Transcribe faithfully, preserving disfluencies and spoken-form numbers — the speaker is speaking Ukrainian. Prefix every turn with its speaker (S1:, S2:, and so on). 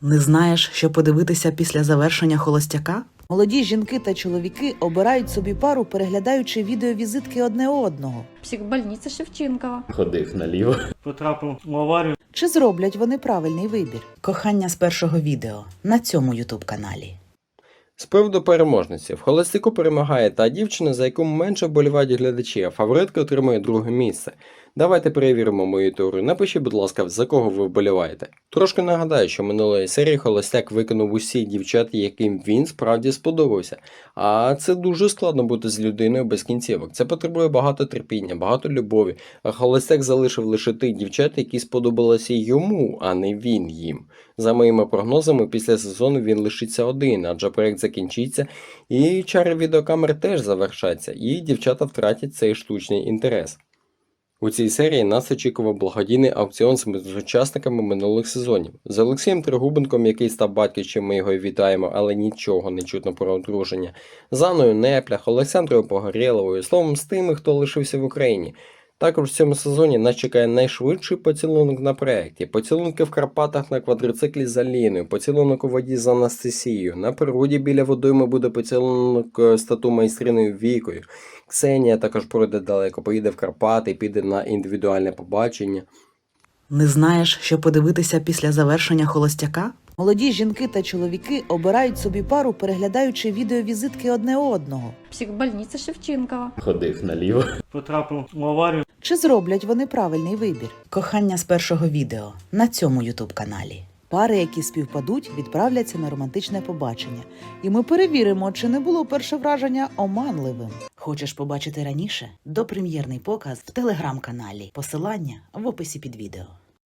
S1: Не знаєш, що подивитися після завершення холостяка? Молоді жінки та чоловіки обирають собі пару, переглядаючи відеовізитки одне одного.
S2: Психбольниця Шевченкова.
S3: Ходив наліво.
S4: Потрапив в аварію.
S1: Чи зроблять вони правильний вибір? Кохання з першого відео на цьому ютуб-каналі.
S3: З приводу переможниці. В холостяку перемагає та дівчина, за яку менше вболівають глядачі, а фаворитка отримує друге місце. Давайте перевіримо мою теорію. Напишіть, будь ласка, за кого ви вболіваєте. Трошки нагадаю, що минулої серії холостяк виконав усі дівчат, яким він справді сподобався. А це дуже складно бути з людиною без кінцівок. Це потребує багато терпіння, багато любові. А холостяк залишив лише тих дівчат, які сподобалися йому, а не він їм. За моїми прогнозами, після сезону він лишиться один, адже проект закінчиться, і чари відеокамер теж завершаться, і дівчата втратять цей штучний інтерес. У цій серії нас очікував благодійний аукціон з учасниками минулих сезонів. З Олексієм Тригубенком, який став батьком, ми його вітаємо, але нічого не чутно про одруження. З Анною Неплях, Олександрою Погорєловою, словом, з тими, хто лишився в Україні. Також в цьому сезоні нас чекає найшвидший поцілунок на проєкті, поцілунки в Карпатах на квадроциклі з Аліною, поцілунок у воді з Анастасією, на природі біля водойми буде поцілунок з тату-майстриною Вікою. Ксенія також пройде далеко, поїде в Карпати, піде на індивідуальне побачення.
S1: Не знаєш, що подивитися після завершення холостяка? Молоді жінки та чоловіки обирають собі пару, переглядаючи відеовізитки одне одного.
S2: Психбольниця Шевченкова.
S3: Ходив наліво.
S4: Потрапив в аварію.
S1: Чи зроблять вони правильний вибір? Кохання з першого відео на цьому ютуб-каналі. Пари, які співпадуть, відправляться на романтичне побачення. І ми перевіримо, чи не було перше враження оманливим. Хочеш побачити раніше? Допрем'єрний показ в телеграм-каналі. Посилання в описі під відео.